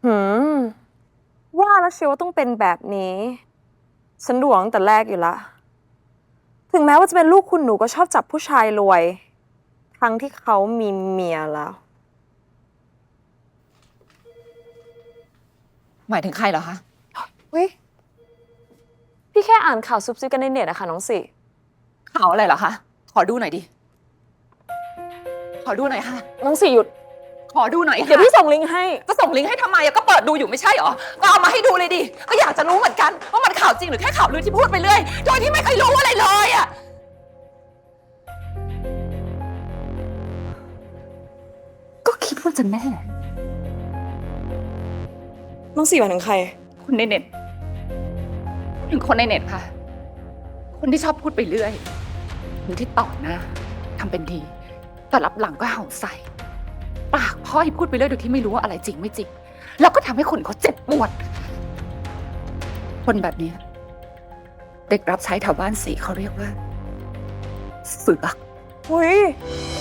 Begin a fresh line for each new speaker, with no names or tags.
หืมว่าแล้วเชียวว่าต้องเป็นแบบนี้ ฉันดูตั้งแต่แรกอยู่ละ ถึงแม้ว่าจะเป็นลูกคุณหนูก็ชอบจับผู้ชายรวย ทั้งที่เขามีเมียแล้ว
หมายถึงใครเหรอคะ
เฮ้ย พี่แค่อ่านข่าวซุบซิบกันในเน็ตนะคะน้องสิ
ข่าวอะไรเหรอคะ ขอดูหน่อยดิ ขอดูหน่อยค่ะ
น้องสิหยุด
ขอดูหน่อย
เดี๋ยว
ค่ะ
พี่ส่งลิงก์ให้
จะส่งลิงก์ให้ทำไมอะก็เปิดดูอยู่ไม่ใช่เหรอ ก็เอามาให้ดูเลยดิ ก็อยากจะรู้เหมือนกันว่ามันข่าวจริงหรือแค่ข่าวลือที่พูดไปเรื่อย โดยที่ไม่เคยรู้อะไรเลยอะ ก็คิดว่าจะแน่
น้องสิหมายถึงใคร
คนในเน็ตถึงคนในเน็ตค่ะ คนที่ชอบพูดไปเรื่อย คนที่ต่อหน้าทำเป็นดี แต่รับหลังก็เห่าใส่ ปากพร่อยพูดไปเรื่อยโดยที่ไม่รู้ว่าอะไรจริงไม่จริง แล้วก็ทำให้คนเขาเจ็บปวด คนแบบนี้ เด็กรับใช้แถวบ้านสีเขาเรียกว่า เสือก
เฮ้ย